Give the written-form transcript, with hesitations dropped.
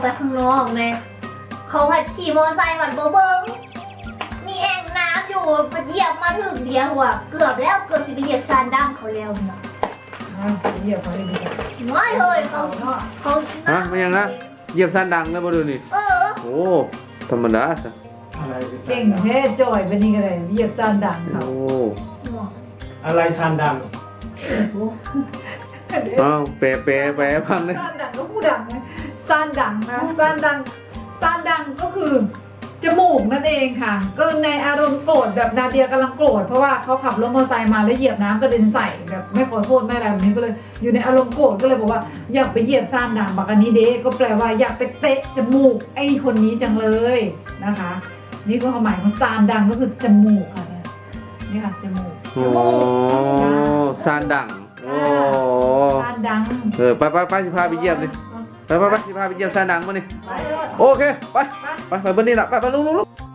ไปข้างนอกไงเขาหัดขี่มอเตอร์ไซค์หวัดเบิ้งมีแอ่งน้ำอยู่มาเหยียบมาถึงเดียวว่ะเกือบแล้วเกือบจะไปเหยียบซานดั้งเขาแล้วเนาะเหยียบเขาเลยดีไม่เลยเขาฮะไม่ยังนะเหยียบสั้นดังแล้วบ่ดูนี่ โอ้ธรรมดาซะอะไรเก่งแท้จ่อยเป็นนี่ก็เลยเหยียบซานดังเขาโอ้อะไรซานดังอ้าวแปลพังเลยซานดังก็ผู้ดังนะซานดังนะซานดังก็คือจมูกนั่นเองค่ะก็ในอารมณ์โกรธแบบนาเดียกำลังโกรธเพราะว่าเขาขับรถมอเตอร์ไซค์มาแล้วเหยียบน้ำกระเด็นใส่แบบไม่ขอโทษไม่อะไรแบบนี้ก็เลยอยู่ในอารมณ์โกรธก็เลยบอกว่าอยากไปเหยียบซานดังบักอันนี้เด้ก็แปลว่าอยากไปเตะจมูกไอ้คนนี้จังเลยนะคะ นี่ก็ความหมายของซานดังก็คือจมูกค่ะเนี่ยนี่ค่ะจมูกโอ้สั้นดังโอ้ซานดังไปสิพาไปเยี่ยมดิไปสิพาไปเยี่ยมสั้นดังมานี่ไปเลยโอเคไปเบนนี่ละไปลุก